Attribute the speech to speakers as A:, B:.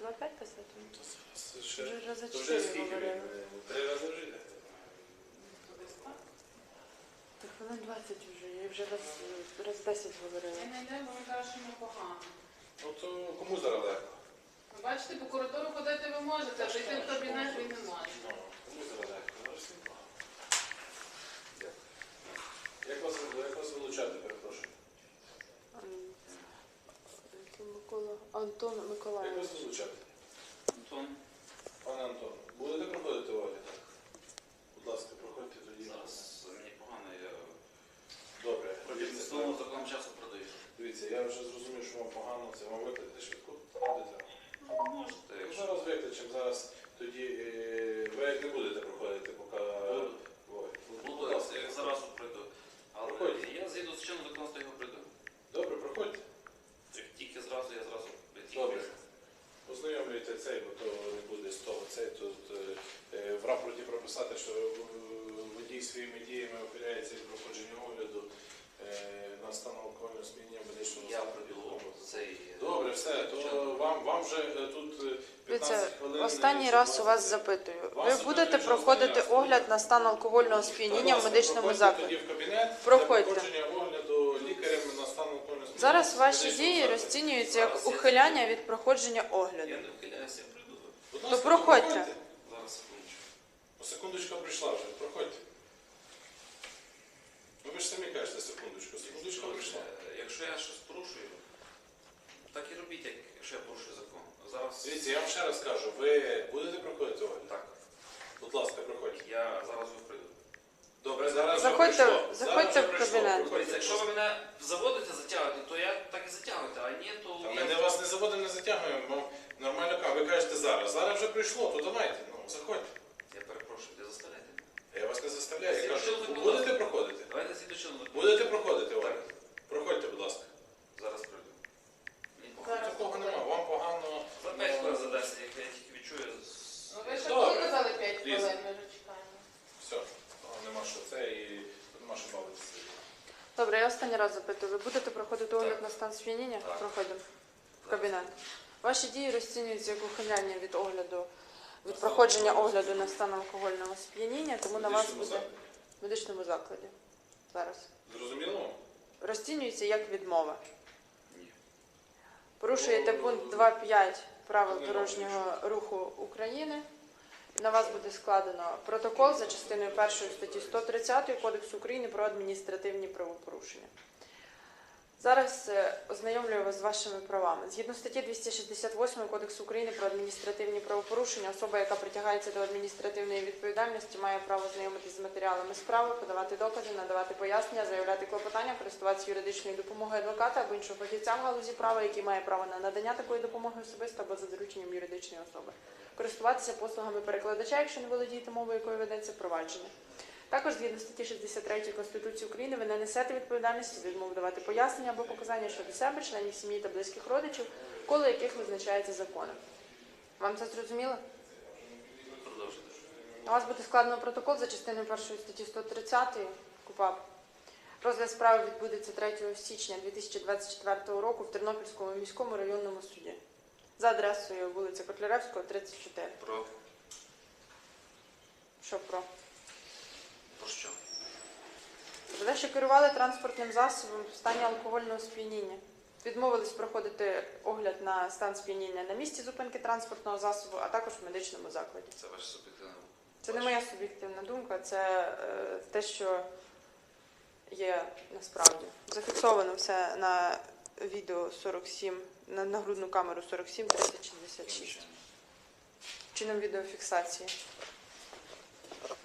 A: Треба опять писати?
B: Це ще...
A: Вже рази
B: То вже
A: 4
B: скільки
A: говорили.
B: він? 3 рази вже йде.
A: Так хвилин 20 вже, я вже раз 10 говорила.
C: Я не йде, бо він каже, що йому погано.
B: Ну то кому зараз легко?
C: Ви бачите, по коридору ходити ви можете, а зайти в кабінет він не може.
B: Ну, кому зараз легко? Зараз всім погано. Дякую. Як вас вилучати, перепрошую?
A: Антон
B: Як
A: Миколаївич.
B: вас вилучати?
D: Антон,
B: Пане Антон, будете проходити огляд? Будь ласка, проходьте тоді.
D: зараз мені погано, я
B: Добре.
D: протягом столу такого часу продаю.
B: Дивіться, я вже зрозумів, що вам погано, це вам викликати швидку? Ходите?
D: Можете,
B: Ну,
D: якщо
B: зараз викличемо, зараз тоді ви як не будете проходити, поки...
D: Буду.
B: Ой,
D: буду,
B: будь ласка.
D: я зараз пройду. Але
B: Проходьте.
D: я згідно з чином законодавства його пройду.
B: Добре, проходьте.
D: Як тільки зразу, я зразу
B: Добре. Ознайомлюйте цей, бо то не буде з того цей. Тут в рапорті прописати, що водій своїми діями ухиляється від проходження огляду на стан алкогольного сп'яніння медичного
D: Я
B: закладу.
D: пройду цей...
B: Добре, все, то вам вже тут 15
A: Дивіться,
B: хвилин.
A: останній раз у вас запитую. Ви будете проходити огляд на стан алкогольного сп'яніння в медичному закладі?
B: Тоді в кабінет
A: Проходьте.
B: для проходження огляду лікарем на стан алкогольного сп'яніння.
A: Зараз ваші
B: медичного
A: дії
B: закладу.
A: розцінюються як ухиляння від проходження огляду.
D: Я не вхиляюся, я прийду.
B: Будь
A: То
B: ласка,
A: проходьте.
D: Зараз, секундочку.
B: Секундочка прийшла вже, проходьте. Ну ви ж самі кажете секундочку, секундочка прийшла.
D: Якщо я щось порушую, так і робіть, якщо я порушую закон. Зараз...
B: Дивіться, я вам ще раз кажу, ви будете проходити огляд?
D: Так,
B: Будь ласка, проходьте.
D: я зараз його прийду.
B: Добре, зараз
A: Заходьте-
B: вже прийшло.
A: заходьте
B: Зараз
A: в
B: вже прийшло.
A: кабінет.
B: Проходьте.
D: Дивіться, якщо ви мене заводите, затягуєте, то я так і затягуєте, а ні, то...
B: Та ми вас не заводимо, не затягуємо, вам нормально кажу. Ви кажете зараз. Зараз вже прийшло, то давайте, ну, заходьте.
D: Я перепрошую, не заставляйте.
B: Я вас не заставляю, я
D: Згідно
B: кажу,
D: чинного
B: ви
D: законодавства.
B: будете проходити?
D: Давайте згідно чинного закону.
B: Будете проходити
D: Так.
B: огляд? Проходьте, будь ласка.
D: Зараз прийду. Мені погано.
C: Зараз.
B: Такого нема, вам погано.
D: За 5 хвилин за 10, як я тільки відчую.
C: Ну ви ще
B: Добре.
C: коли казали 5
B: Ліза.
C: хвилин, ми вже чекаємо.
B: Все, нема що це і нема що бавитися.
A: Добре, я останній раз запитую. Ви будете проходити огляд на стан сп'яніння?
D: Так.
A: Проходимо в кабінет. Ваші дії розцінюються як ухиляння від огляду, від проходження огляду на стан алкогольного сп'яніння, тому на вас буде в медичному закладі. Зараз.
B: Зрозуміло вам?
A: Розцінюється як відмова.
D: Ні.
A: Порушуєте пункт 2.5 правил дорожнього руху України. На вас буде складено протокол за частиною 1 статті 130 Кодексу України про адміністративні правопорушення. Зараз ознайомлюю вас з вашими правами. Згідно статті 268 Кодексу України про адміністративні правопорушення, особа, яка притягається до адміністративної відповідальності, має право знайомитися з матеріалами справи, подавати докази, надавати пояснення, заявляти клопотання, користуватися юридичною допомогою адвоката або іншого фахівця в галузі права, який має право на надання такої допомоги особисто або за дорученням юридичної особи. Користуватися послугами перекладача, якщо не володієте мовою, якою ведеться провадження. Також, згідно статті 63 Конституції України, ви не несете відповідальності за відмову давати пояснення або показання щодо себе, членів сім'ї та близьких родичів, коло яких визначається законом. Вам це зрозуміло?
D: Продовжуйте.
A: На вас буде складено протокол за частиною 1 статті 130 КУпАП. Розгляд справи відбудеться 3 січня 2024 року в Тернопільському міському районному суді за адресою вулиця Котляревського, 34.
D: Про
A: Що про?
D: що?
A: Ви що керували транспортним засобом в стані алкогольного сп'яніння. Відмовились проходити огляд на стан сп'яніння на місці зупинки транспортного засобу, а також в медичному закладі.
D: Це ваше суб'єктивне.
A: Це не моя суб'єктивна думка, це те, що є насправді. Зафіксовано все на відео 47, на нагрудну камеру 47 30 66. Чином відеофіксації.